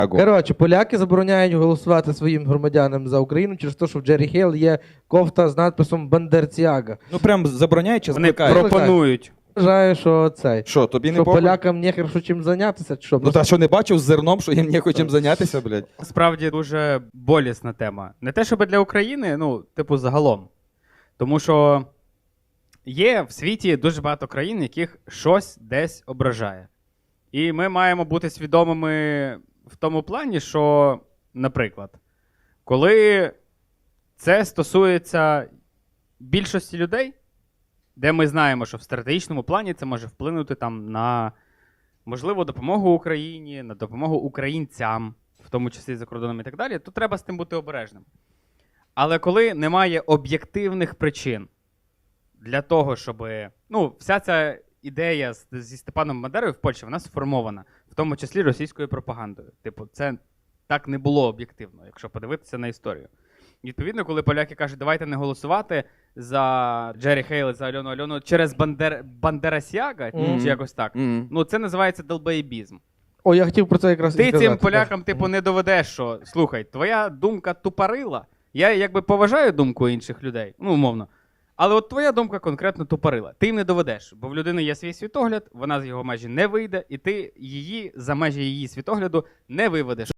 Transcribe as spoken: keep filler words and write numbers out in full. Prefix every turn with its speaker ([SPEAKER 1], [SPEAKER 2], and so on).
[SPEAKER 1] Коротше, поляки забороняють голосувати своїм громадянам за Україну через те, що в Джері Хейл є кофта з надписом «Бандерціага».
[SPEAKER 2] Ну прям забороняють чи
[SPEAKER 3] Вони
[SPEAKER 2] закликають?
[SPEAKER 3] пропонують.
[SPEAKER 1] Вважаю, що цей.
[SPEAKER 2] Що, тобі не
[SPEAKER 1] Що
[SPEAKER 2] похуй?
[SPEAKER 1] полякам нехер що чим зайнятися, чи що?
[SPEAKER 2] Ну та що не бачив з зерном, що їм не чим зайнятися, блядь?
[SPEAKER 3] Справді дуже болісна тема. Не те, щоб для України, ну, типу, загалом. Тому що є в світі дуже багато країн, яких щось десь ображає. І ми маємо бути свідомими в тому плані, що, наприклад, коли це стосується більшості людей, де ми знаємо, що в стратегічному плані це може вплинути там на, можливо, допомогу Україні, на допомогу українцям, в тому числі за кордоном і так далі, то треба з тим бути обережним. Але коли немає об'єктивних причин для того, щоб... Ну, вся ця ідея з- зі Степаном Бандерою в Польщі, вона сформована, в тому числі російською пропагандою. Типу, це так не було об'єктивно, якщо подивитися на історію. Відповідно, коли поляки кажуть, давайте не голосувати за Джері Хейл, за Альону Альону через Бандер... Бандерасяга,
[SPEAKER 1] Мгм.
[SPEAKER 3] чи якось так,
[SPEAKER 2] Мгм.
[SPEAKER 3] ну це називається долбоєбізм.
[SPEAKER 1] О, я хотів про це якраз і
[SPEAKER 3] Ти
[SPEAKER 1] сказати.
[SPEAKER 3] цим полякам, типу, не доведеш, що, слухай, твоя думка тупорила, я якби поважаю думку інших людей, ну, умовно, але от твоя думка конкретно тупорила. Ти їм не доведеш, бо в людини є свій світогляд, вона з його межі не вийде, і ти її за межі її світогляду не виведеш.